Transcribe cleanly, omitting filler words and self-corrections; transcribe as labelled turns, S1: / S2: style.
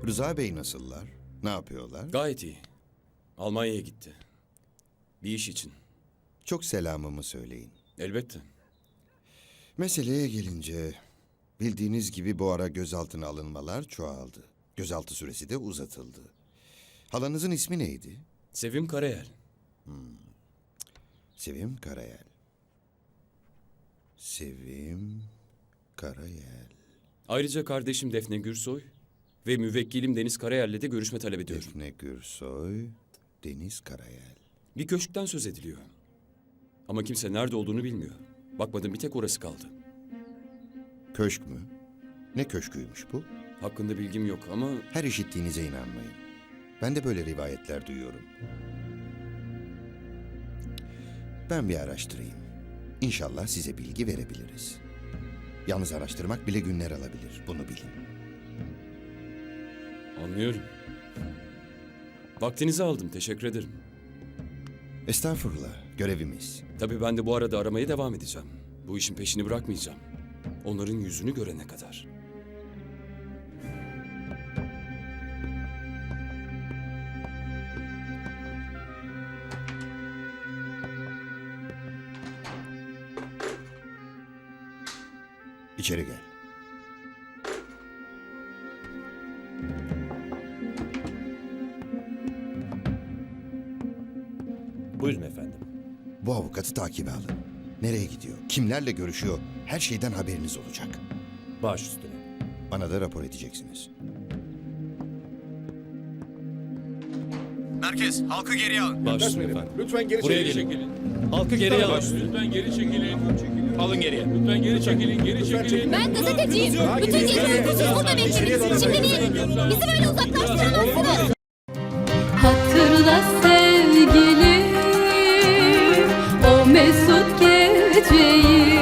S1: Rıza Bey nasıllar? Ne yapıyorlar?
S2: Gayet iyi. Almanya'ya gitti. Bir iş için.
S1: Çok selamımı söyleyin.
S2: Elbette.
S1: Meseleye gelince bildiğiniz gibi bu ara gözaltına alınmalar çoğaldı. Gözaltı süresi de uzatıldı. Halanızın ismi neydi?
S2: Sevim Karayel.
S1: Sevim Karayel. Sevim Karayel.
S2: Ayrıca kardeşim Defne Gürsoy ve müvekkilim Deniz Karayel'le de görüşme talep ediyorum.
S1: Defne Gürsoy, Deniz Karayel.
S2: Bir köşkten söz ediliyor. Ama kimse nerede olduğunu bilmiyor. Bakmadım, bir tek orası kaldı.
S1: Köşk mü? Ne köşküymüş bu?
S2: Hakkında bilgim yok ama
S1: Her işittiğinize inanmayın. Ben de böyle rivayetler duyuyorum. Ben bir araştırayım. İnşallah size bilgi verebiliriz. Yalnız araştırmak bile günler alabilir. Bunu bilin.
S2: anlıyorum. Vaktinizi aldım, teşekkür ederim.
S1: Estağfurullah. Görevimiz.
S2: Tabii ben de bu arada aramaya devam edeceğim. Bu işin peşini bırakmayacağım. Onların yüzünü görene kadar.
S1: İçeri gel.
S3: Buyurun efendim.
S1: Bu avukatı takibe alın. Nereye gidiyor? Kimlerle görüşüyor? Her şeyden haberiniz olacak.
S3: Baş üstüne.
S1: Bana da rapor edeceksiniz.
S4: Merkez, halkı geriye alın.
S2: Baş üstüne efendim.
S5: Lütfen geri
S2: Buraya
S5: çekilin.
S2: gelin. Halkı geriye alın.
S5: Lütfen geri çekilin.
S4: Alın geriye.
S5: Lütfen geri çekilin. Geri çekilin.
S6: Ben gazeteciyim. Bütün gece uykusuz burada beklediniz. Şimdi niye? Bizi böyle uzaklaştıramazsınız.
S7: Hatırla sevgilim o mesut geceyi.